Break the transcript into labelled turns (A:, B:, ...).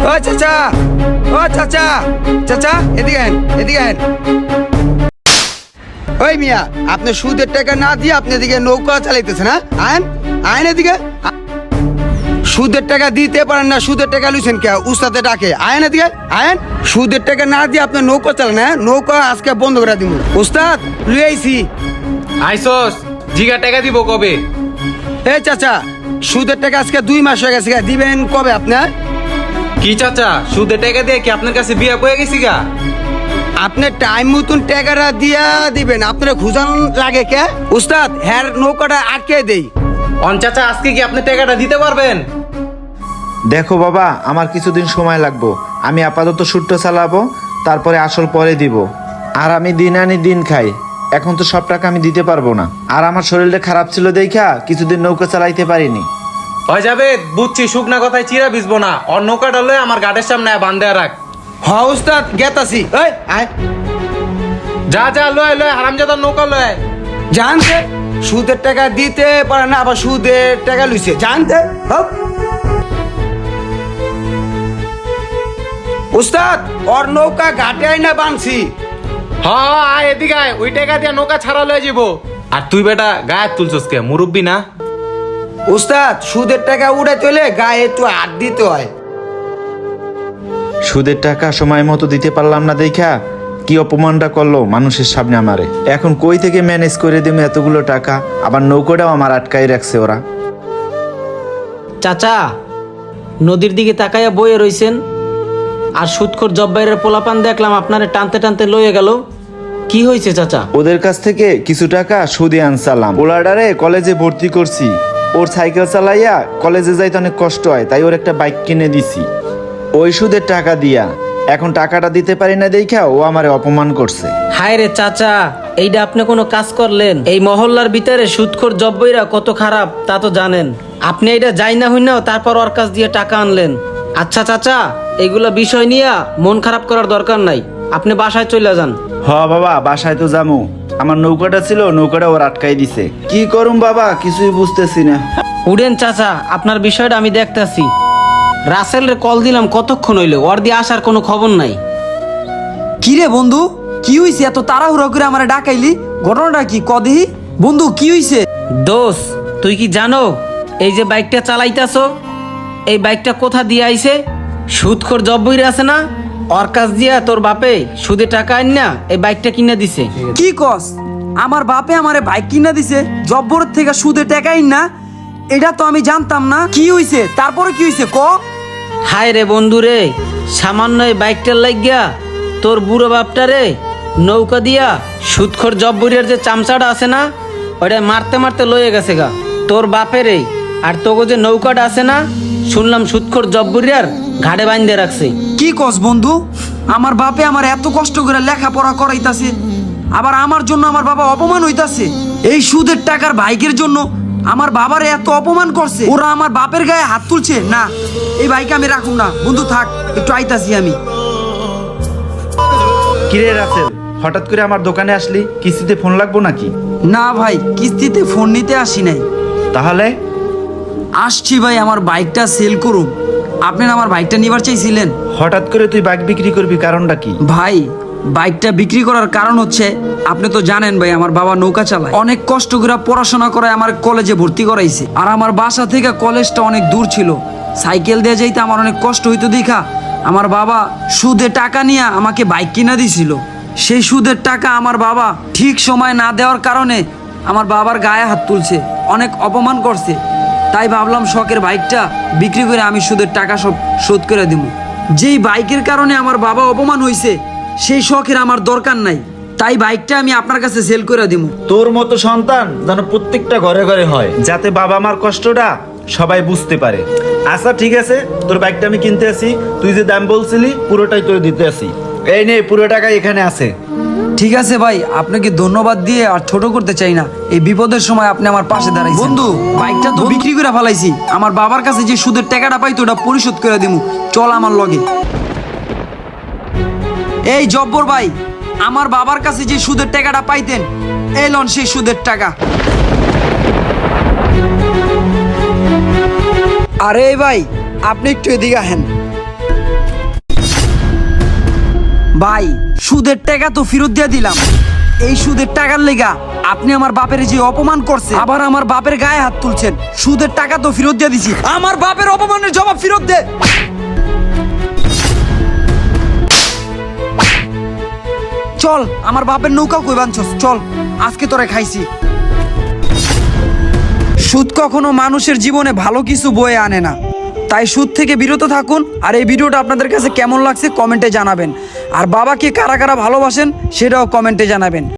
A: ও চাচা, ও চাচা, চাচা এদিকে আন, এদিকে আন। ওই মিয়া, আপনি সুদের টাকা না দিয়ে আপনি এদিকে নৌকা চালাইতেছেন, হ্যাঁ? আইন আইন এদিকে। সুদের টাকা দিতে পারেন না, সুদের টাকা লুছেন কে? উস্তাদে ডাকে, আইন এদিকে আইন। সুদের টাকা না দিয়ে আপনি নৌকা চালান, হ্যাঁ? নৌকা আজকে বন্ধ করে দিব। উস্তাদ লুই আইছি।
B: আইসোস জিগা টাকা দিব কবে?
A: এই চাচা, সুদের টাকা আজকে 2 মাস হয়ে গেছে, দিবেন কবে আপনার?
B: কি চাচা, সুদে টাকা দিয়ে কি আপনার কাছে বিয়া কয়ে গেছি গা?
A: আপনি টাইম মতন টাকাটা দিয়া দিবেন, আপনার খুঁজান লাগে কে? উস্তাদ হ্যার নৌকাটা আটকে দেই।
B: অন চাচা, আজকে কি আপনি টাকাটা দিতে পারবেন?
C: দেখো বাবা, আমার কিছুদিন সময় লাগবো। আমি আপাতত শুটটা চালাবো, তারপরে আসল পরে দিব। আর আমি দিন আনি দিন খাই, এখন তো সব টাকা আমি দিতে পারবো না। আর আমার শরীরটা খারাপ ছিল দেখা কিছুদিন নৌকা চালাইতে পারিনি।
B: হয়ে যাবে, বুঝছি, শুকনা কথায় চিরা ভিজবো না। অন নৌকাটা লয়ে আমার গাড়ির সামনে বান্ধে রাখ।
A: হ উস্তাদ গেতাছি। এই আয়
B: যা যা লয় লয়, হারামজাদার নৌকা লয়।
A: জানতে সুদের টাকা দিতে পারে না, আবার সুদের টাকা লইছে জানতে। হপ। উস্তাদ ওর নৌকা ঘাটে আইনা বানছি।
B: হ্যাঁ আয় এদিকে আয়, ওই টাকা দিয়ে নৌকা ছাড়া লয়ে যাবো। আর তুই বেটা গায়ে তুলছস কে? মুরব্বি না?
A: উস্তাদ সুদের টাকা উড়ে চলে গায়ে একটু হাত দিতে হয়।
C: সুদের টাকা সময় মতো দিতে পারলাম না দেখা কি অপমানটা করলো মানুষের সামনে আমারে। এখন কই থেকে ম্যানেজ করে দিম এতগুলো টাকা? আবার নৌকাটাও আমার আটকাই রাখছে ওরা।
D: চাচা, নদীর দিকে তাকাইয়া বয়ে রইছেন, আর সুদখোর জব্বাইরের পোলাপান দেখলাম আপনারে টানতে টানতে লয়ে গেল। কি হয়েছে চাচা?
C: ওদের কাছ থেকে কিছু টাকা সুদে আনসালাম। ওলাডারে কলেজে ভর্তি করছি। ওর সাইকেল চালাইয়া কলেজে যাইতে অনেক কষ্ট হয়, তাই ওর একটা বাইক কিনে দিছি ওই সুদের টাকা দিয়া। এখন টাকাটা দিতে পারি না দেখা ও আমারে অপমান করছে।
D: হায় রে চাচা, এইটা আপনি কোনো কাজ করলেন? এই মহল্লার ভিতরে সুদখোর জব্বইরা কত খারাপ তা তো জানেন। আপনি এইটা যাই না হই না, তারপর ওর কাছ দিয়ে টাকা আনলেন। আচ্ছা চাচা, এইগুলা বিষয় নিয়ে মন খারাপ করার দরকার নাই, আপনি বাসায় চলে যান।
C: হ বাবা, বাসায় তো যামু। আমার নৌকাটা ছিল, নৌকাটা ওর আটকাই দিছে। কি করুম বাবা, কিছুই বুঝতেছি না।
D: উড়েন চাচা, আপনার বিষয়টা আমি দেখতেছি। রাসেলের কল দিলাম, কতক্ষণ হইলো, ওর দিয়ে আসার কোনো খবর নাই।
E: কি রে বন্ধু, কি হইছে? এত তাড়াহুড়ো করে আমারে ডাকাইলি, ঘটনাটা কি কদি? বন্ধু কি হইছে?
D: দোষ, তুই কি জানো এই যে বাইকটা চালাইতাছো, এই বাইকটা কোথা দিয়ে আইছে? সুদখোর জব্বইরে আছে না, ওর কাছ দিয়া তোর বাপে সুদে টাকা আন না এই বাইকটা কিনে দিছে।
E: কি কস? আমার বাপে আমারে বাইক কিনা দিছে জব্বরের থেকে সুদে টাকাই না? এটা তো আমি জানতাম না। কি হইছে তারপরে, কি হইছে ক?
D: হায় রে বন্ধু রে, সামান্য এই বাইকটার লাগিয়া তোর বুড়ো বাপটারে নৌকা দিয়া সুদখোর জব্বরের যে চামচাটা আছে না, ওটা মারতে মারতে লয়ে গেছে গা তোর বাপেরে। আর তোকে যে নৌকাটা আছে না, শুনলাম সুদখোর জব্বরিয়ার ঘাড়ে বাইন্ধে রাখছে।
E: কি কস বন্ধু? আমার বাপে আমার এত কষ্ট করে লেখাপড়া করাইতাছে, আবার আমার জন্য আমার বাবা অপমান হইতাছে। এই সুদের টাকার বাইকের জন্য আমার বাবারে এত অপমান করছে, ওরা আমার বাপের গায়ে হাত তুলছে। না, এই বাইক আমি রাখুম না। বন্ধু থাক, একটু আইতাছি আমি।
C: কিরে রাসেল, হঠাৎ করে আমার দোকানে আসলি? কিস্তিতে ফোন লাগবো নাকি?
E: না ভাই, কিস্তিতে ফোন নিতে আসি নাই।
C: তাহলে
E: আসছি ভাই, আমার বাইকটা সেল করুন। আপনি না আমার বাইকটা নিবার চাইছিলেন?
C: হঠাৎ করে তুই বাইক বিক্রি করবি, কারণটা কি?
E: ভাই, বাইকটা বিক্রি করার কারণ হচ্ছে, আপনি তো জানেন ভাই আমার বাবা নৌকা চালায়, অনেক কষ্ট করে পড়াশোনা করে আমার কলেজে ভর্তি করাইছে। আর আমার বাসা থেকে কলেজটা অনেক দূর ছিল, সাইকেল দিয়ে যাইতে আমার অনেক কষ্ট হইতো দেখা আমার বাবা সুদে টাকা নিয়ে আমাকে বাইক কিনা দিছিল। সেই সুদের টাকা আমার বাবা ঠিক সময় না দেওয়ার কারণে আমার বাবার গায়ে হাত তুলছে, অনেক অপমান করছে। তাই ভাবলাম শখের বাইকটা বিক্রি করে আমি সুদের টাকা সব শোধ করে দিব। যেই বাইকের কারণে আমার বাবা অপমান হয়েছে, সেই শখের আমার দরকার নাই, তাই বাইকটা আমি আপনার কাছে সেল করে দিব।
C: তোর মতো সন্তান যেন প্রত্যেকটা ঘরে ঘরে হয়, যাতে বাবা মার কষ্টটা সবাই বুঝতে পারে। আচ্ছা ঠিক আছে, তোর বাইকটা আমি কিনতে আসি। তুই যে দাম বলছিলি পুরোটাই তোর দিতে আসি। এই নে, পুরো টাকা এখানে আছে।
E: ঠিক আছে ভাই, আপনাকে ধন্যবাদ দিয়ে আর ছোট করতে চাই না। এই বিপদের সময় আপনি আমার পাশে দাঁড়াইছেন। বন্ধু, বাইকটা তো বিক্রি করে ফেলাইছি, আমার বাবার কাছে যে সুদের টাকাটা পাইতো ওটা পরিশোধ করে দিমু। চল আমার লগে। এই জব্বর ভাই, আমার বাবার কাছে যে সুদের টাকাটা পাইতেন, এই লন সেই সুদের টাকা। আরে ভাই, আপনি একটু এদিকে আহেন। ভাই সুদের টাকা তো ফেরত দিয়ে দিলাম, এই সুদের টাকার লেগা আপনি আমার বাপের যে অপমান করছে, আবার আমার বাপের গায়ে হাত তুলছেন। সুদের টাকা তো ফেরত দিয়ে দিছি, আমার বাপের অপমানের জবাব ফেরত দে। চল, আমার বাপের নৌকা কই বানছস, চল আজকে তোরে খাইছি। সুদ কখনো মানুষের জীবনে ভালো কিছু বয়ে আনে না, তাই সুদ থেকে বিরত থাকুন। আর এই ভিডিওটা আপনাদের কাছে কেমন লাগছে কমেন্টে জানাবেন। আর বাবাকে কারা কারা ভালোবাসেন সেটাও কমেন্টে জানাবেন।